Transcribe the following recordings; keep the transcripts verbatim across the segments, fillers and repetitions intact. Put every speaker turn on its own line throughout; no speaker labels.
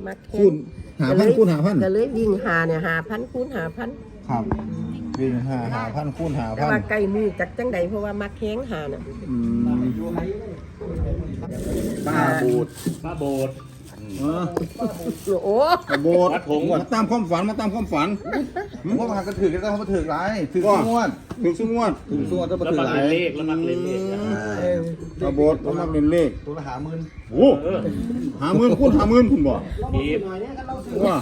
มัก
คูณหาพันคูณหาพัน
ก็เลยวิ่งหาเนี่ยหาพันคูณหาพัน
ครับวิ่งหาหาพันคูณหาพัน
แต่ว่าไก่มือจักจังใดเพราะว่ามักแข้งหาน่ะ
ป้าบูด
ป้าโบด
โอ้
โบดมาตามความฝันมาตามความฝันเพราะว่าก็ถือกันต้องมาถือไรถือซุ้มวดถือซุ้มวดถือซุ้มวดต้องมาถือไร
เลขแล้วมักเล่นเลข
ป้าโบดต้องมาเล่นเลข
ตัวละหาหมื่น
โอ้หาหมื่นคูณหาหมื่นคุณบอก
ทีบ
ว่า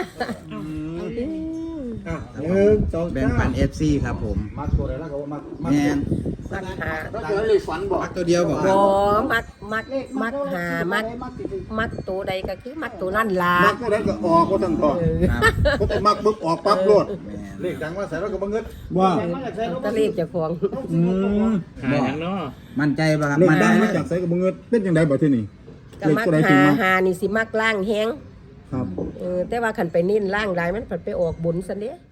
แบ่งปัน เอฟ ซี ครับผมมักตัวเดียวแล้วก็มักแมน
มักหา
มักตัวเดียวบอก
บ่มักมักมักหามักมักตัวใดก็คือมักตัวนั่นล่ะ
มักตัวใดก็ออกก็ทั้งทอก็แต่มักบึ๊บออกปั๊บโลด
เลขดังว่าใส่แล้วก็บังเงิน
ว่า
ตะเลขเจ้าของ
อืม
หาอย่างเนาะ
มั่นใจป่ะครับ
เลขดังมาจากใส่กับบังเงินเป็นยังไงบ่ที่นี่
ก็มักหาหานี่สิมักล่างแฮง
ครับ
เออแต่ว่าคันไปนิ่นล่างได้มันไปออกบนซะเด้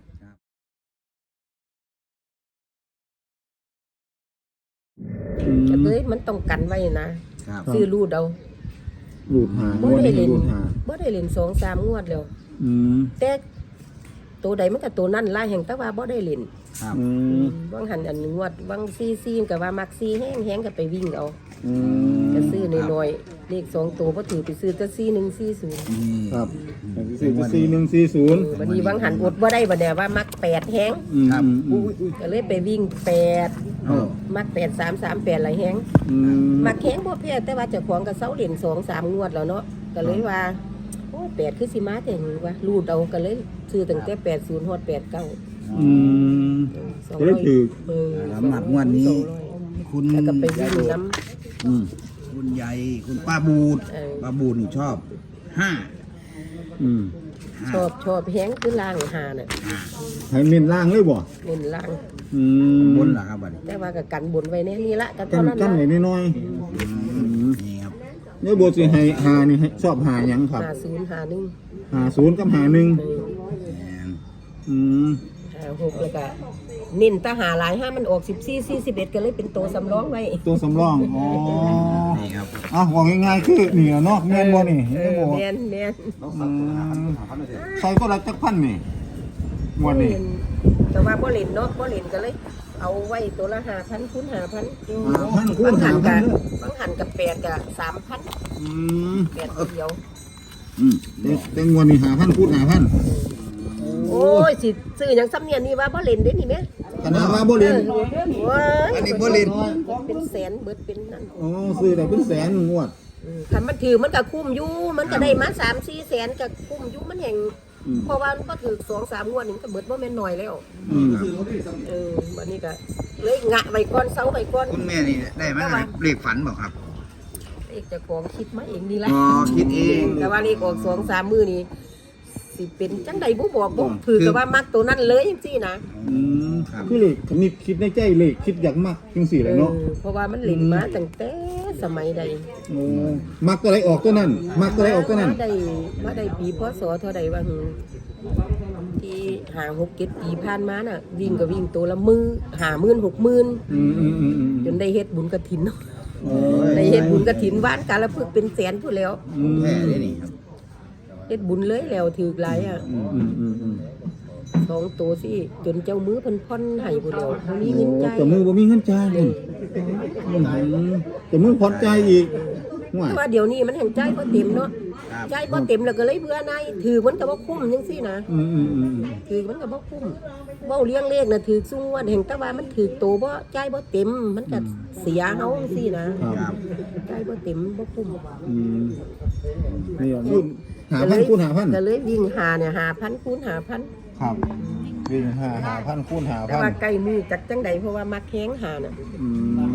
ก็เลยมันต้องกันไว้นะซื้อรูดเอา
รูดหา
บ่ได้เล่นบ่ได้เล่นสองสามงวดแล้วแต่ตัวใดมันก็ตัวนั่นล่ะแห่งแต่ว่าบ่ได้เล่นบางหันอันงวดบางซีซีก็ว่ามักซีแห้งแห้งก็ไปวิ่งเอาก็ซื้อน้อยๆเลขสองตัวบ่ถือไปซื้อแต่ซีหนึ่งซีศูนย์
ครับซื้อซีหนึ่งซีศูนย์
บัดนี้บางหันอดบ่ได้บัดเนี่ยว่ามักแปดแห้ง
ครับ
ก็เลยไปวิ่งแปดมักแปดสามสามแปดหลายแห้งมักแห้งบ่แพ้แต่ว่าเจ้าของก็เซาเล่นสองสามงวดแล้วเนาะก็เลยว่าโอ้แปดคือสิมาแต่งว่ารูดเอาก็เลยซื้อตั้งแต่แปดศูนย์ฮอดแปดเก้า
อืมก็เลยถือ
สำหรับงวดนี้คุณ
แล้วก็ไปวิ่งน้ำ
คุณใหญ่คุณป้าบูดป้าบูดนี่ชอบห้า
ชอบชอบแห้งคือล่างหาน่ะ
ให้เน้นล่างเลยบ่
เน้นล่าง
บนหรอครับบัดนี้
แต่ว่าก็กันบนไว้แน่นี่ละกัน
เท่านั้นกันไว้น้อย
นี่ครับ
เนี่ยบทสิให้หานี่ชอบหาหยังครับ
หาศูนย์หาหนึ่ง
หาศูนย์กับหาหนึ่งอืม
หาหกแล้วก็เน้นตาหาหลายห้ามันออกสิบสี่สี่สิบเอ็ดก็เลยเป็นตัวสำรองไว้
ตัวสำรองอ๋อ
นี่ครับ
อ่ะว่าง่ายๆคือนี่เนาะแม่นบ่นี่
แม่นแม่น
ใส่ก็รักจักพันนี่งวดนี้
แต่ว่าบ่เล่นเนาะบ่เล่นก็เลยเอาไว้ตัวละห้าพันคูณห้าพัน
พันคูณห้าพัน
บางหันกับแปดกับสามพันแปดเดียว
อืมแต่งวดนี้ห้าพันคูณห้าพัน
โอ้ยสิซื้ออย่างซ้ำเนี่ยนี่ว่าบ่เล่นได้นี่แม่
ขนาดว่าบ่เล่น
อันนี้บ่เล่น
เป็นแสนเบิดเป็นนั่น
อ๋อซื้อได้เป็นแสนงวด
คันมันถือมันก็คุ้มอยู่มันก็ได้มาสามสี่แสนก็คุ้มอยู่มันแห่งเพราะว่ามันก็ถือสองสามงวดนี่ก็เบิดบ่แม่นน้อยแล้วเออบัดนี้ก็เลยงะไว้ก่อนเซาไว้ก่อน
คุณแม่นี่ได้มั้ยเลขฝันบ่ครับ
เลขเจ้าของคิดมาเองนี่แหละ
อ๋อคิดเอง
แต่ว่าเลขออกสองสามมื้อนี่สิเป็นจังใดบ่บอกบ่คือก็ว่ามักตัวนั้นเลยจังซี่นะ
อืมคือเลขคิดคิดในใจเลขคิดอยากมักจังซี่แหละเนาะ
เพราะว่ามันเล่นมาตั้งแต่สมัยใด
โอ้มักตัวใดออกตัวนั้นมักตัวใดออกตัวนั้น
มาได้มาได้ปีพศเท่าใดว่าที่หาหกเจ็ดปีผ่านมาน่ะวิ่งก็วิ่งตัวละมือหาหมื่นหกหมื่นจนได้เฮ็ดบุญกฐินได้เฮ็ดบุญกฐินว่านกาลพึกเป็นแสนพุ่นแล้ว
แม่เลยนี่ครับ
เฮ็ดบุญเลยแล้วถือหลายอ่ะสองตัวสิจนเจ้ามือเพิ่นผ่อนให้พุ่นแล้วบ่มีเงินจ่าย
เจ้ามือบ่มีเงินจ่ายเลยเจ้ามือผ่อนจ่ายอีก
ว่าเดี๋ยวนี้มันแห่งจ่ายบ่เต็มเนาะจ่ายบ่เต็มแล้วก็เลยเบื่อนายถือมันก็บ่คุ้มจังซี่นะถือมันก็บ่คุ้มเว้าเลี้ยงเลขน่ะถือซุงว่าแห่งแต่ว่ามันถือโตบ่จ่ายบ่เต็มมันก็เสียเฮาจังซี่นะจ่ายบ่เต็มบ่คุ้ม
อืมนี่คูณห้าพันคูณห้าพัน
ก็เลยวิ่งหาเนี่ยห้าพันคูณห้าพัน
ครับวิ่งห้า ห้าพันคูณห้าพันแต่
ว่าไก่มือจักจังใดเพราะว่ามักแข้งหาน่ะอืม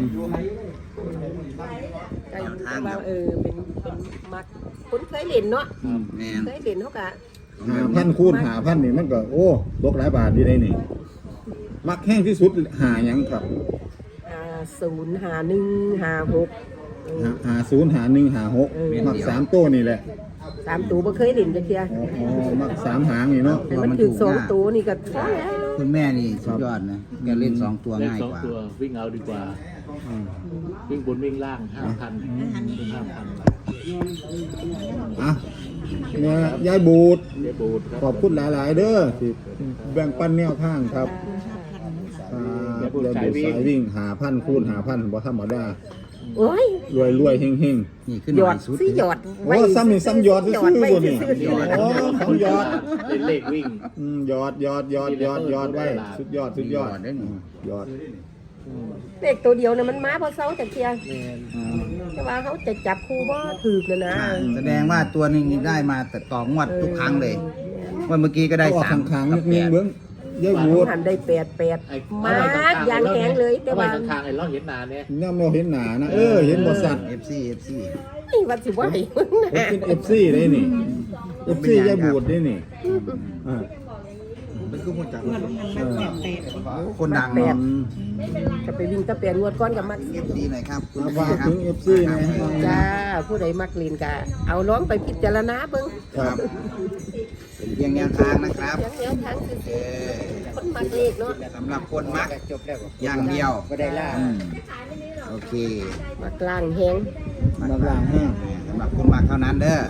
ไก่แต่ว่าเออเป็นเป็นมักคนเคยเล่นเนาะเคยเล่นเฮาก็
ห้าพันคูณห้าพันนี่มันก็โอ้ตกหลายบาทดีได้นี่มักแห้งที่สุดหาหยังครับ
อ่าศูนย์หาหนึ่งหาหก
หาศูนย์หาหนึ่งหาหกมักสามตัวนี่แหละ
สามตัวบ่เคยเล่นจักเที่ย
อ๋อมักสามหางนี่เนาะ
มันถึงสองตัวนี่ก็พอแล้ว
คุณแม่นี่สุดยอดนะแกเล่นสองตัวง่ายกว่า
วิ่งเอาดีกว่าวิ่งบนวิ่งล่างห้าพันห้าพัน
อ่ะเนี่ยยายบูด
เดบูดครับ
ขอบคุณหลาย ๆ เด้อที่แบ่งปันแนวทางครับอ่าเดี๋ยวบูดสายวิ่งหาพันคูณหาพันบ่ธรรมดา
โอ้ย
รวยรวยๆเฮงเฮง
นี่ขึ้น
ห
ห
ย
น่
อ
อ
ด
ยสุด
สิหยอด
โอ้ซ้ำนี่ซ้ำหยอดซื่อๆ
ไว้
บ่นี่
ซื่อๆ
โอ้ของหยอด
เป็นเลขวิ่ง
อืมหยอดหยอดหยอดหยอดหยอดไว้สุดยอดสุดยอด
ได้หนู
หยอด
เลขตัวเดียวน่ะมันมาบ่เซาจักเที่ย
แมน
แต่ว่าเขาจะจับคู่บ่ถูกน่ะนะ
แสดงว่าตัวหนึงนี่ได้มาแต่ต่องวดทุกครั้งเลยว่าเมื่อกี้ก็ได้
เอาออก
สาม
ขัง
กับ
ๆ
แป
นิด
ด
ๆเบิ่งยายบูด
หันได้แปดแปด
ไอ้
มากอย่างแข็งเลยแต่
แต่ว่า
ว่า
ข้างๆไอ้เราเห็นหนาเนี่ย
เนี่ยเราเห็นหนานะเออเห็นบ่สัตว์
เอฟซีเอฟซี
ไอ้วัดสิไหวมึง
เอ
นะ
ฟเอฟซีได้นี่เอฟซียายบูดได้นี่อ่า
มันคือคนจาก
เออ
คนดัง
แป
เนาะ
ดจะไปวิ่งตะเปียนงวดก้อนกับมัก
เอฟซีหน่อยครับ
มาฝากถึงเอฟซีนะ
จ้าผู้ใดมักลีนกะเอาร้องไปพิจารณาเบิ่ง
ครับ
เป็นเพียงแนวทางนะครับ
ยังแนวทางซื่อ
เออ
ๆคนมักเลขเนาะ
สำหรับคนมักอย่างเดียว
ก็ได้ล่า
อืมโอเค
มักล่างแฮง
มาล่างแห้ง
สำหรับคนมักเท่านั้นเด้อ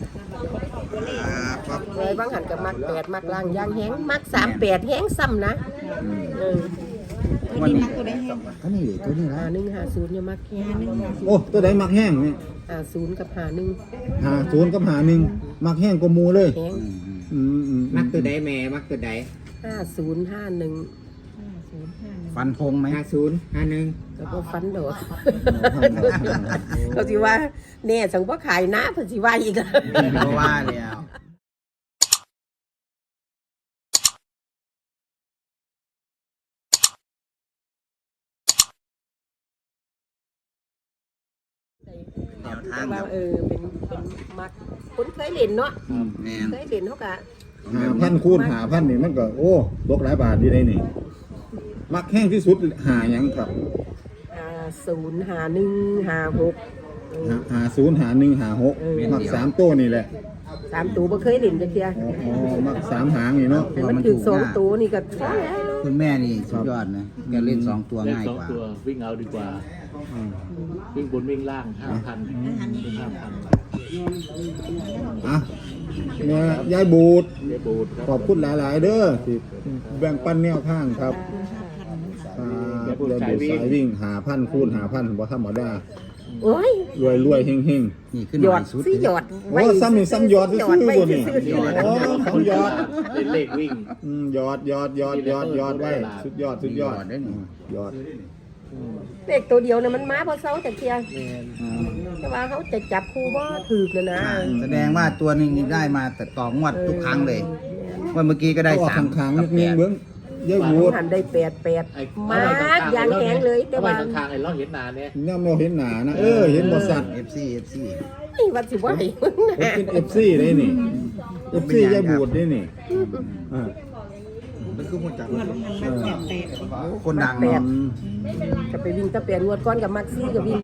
ครับครับ
เลยบางหันกับมักแปดมักล่างย่างแฮงมักสามแปดแฮงซ้ำนะเออ
วันนี้ก็นี่ตัวนี้
หา
ละ
หนึ่งหาศูนย์อย่ามักแฮง
โอ้ตัวใดมักแห้งนี่
หาศูนย์กับหาหนึ่ง
หาศูนย์กับหาหนึ่งมักแห้งกว่าหมูเลย
แฮง
อืมอืม
อืมอืม
มักตัวใดแม่มักตัวใด
ห้าศูนย์ห้าหนึ่ง
ฟันธงไหม
ห้าศูนย์ห้าหนึ่ง
แล้วก็ฟันดอกเขาสิว่าแน่สังว่าขายน้าเพิ่นสิว่าอีกอะ
เพราะว่าแล้ว แนวทาง
ว่า
ครับ
เออเป็นเป็นมักคนเคยเล่นเนาะ
แม่น
เคยเล่นเขากะ
หาพันคูณหาพันนี่มันก็โอ้ตกหลายบาทดีได้นี่ มักแห้งที่สุดหาหยังครับ
หาศูนย์หาหนึ่งหาหก
หาหาศูนย์หาหนึ่งหาหกมักสามตัวนี่แหละ
สามตัวบ่เคยเล่นจักเที่ย
อ๋ออ๋อมักสามหางนี่เนาะ
แต่มันถึงสองตัวนี่ก็พอแล้ว
คุณแม่นี่สุดยอดนะแกเล่นสองตัว
เล่น
ง่าย
สอง
กว่า
ตัววิ่งเอาดีกว่า วิ่งบนวิ่งล่างห้าพันวิ่งห้าพัน
อ่ะเนี่ยยายบูด
เดบูดครับ
ขอบคุณหลาย ๆ เด้อที่แบ่งปันแนวทางครับอ่าเดี๋ยวบูดสายวิ่งหาพันคูณหาพันบ่ธรรมดา
โอ้ย
รวยรวยๆเฮงเฮง
นี่ขึ้น
ห
ห
ย
น่
อ
อย
ด
สุด
สิหยอด
โอ้ซ้ำนี่ซ้ำหยอดซื่อๆบ่นี่
หยอด
โอ้ของหยอด
เป็นเลขวิ่ง
อืมหยอดหยอดหยอดหยอดหยอดไว้สุดยอดสุดยอด
ได้หนู
หยอด
เลขตัวเดียวน่ะมันมาบ่เซาจักเที่ย
แมน
แต่ว่าเขาจะจับคู่บ่ถูกน่ะนะ
แสดงว่าตัวหนึงนี่ได้มาแต่ต่องวดทุกครั้งเลยว่าเมื่อกี้ก็ได้
เอาออก
สาม
ขังๆ
กั
นิ
บ
ด
แป
นึง
ด
เบิ่งยายบูด
หันได้แปดแปด
ไอ้
มากอย่างแข็งเลยแต่
แต่ว่า
ว่า
ข้างๆไอ้เราเห็นหนาเนี่ย
เนี่ยเราเห็นหนานะเออเห็นบ่สัตว์
เอฟซีเอฟซี
ไอ้วัดสิไหวมึง
ผม
นะ
เป็น เอฟ ซี ได้นี่ เอฟ ซี ยายบูดได้นี่อ่า
มันคือคนจาก
เออ
คนดัง
แป
เนาะ
ดจะไปวิ่งตะเปียนงวดก้อนกับมักซี่กับวิ่ง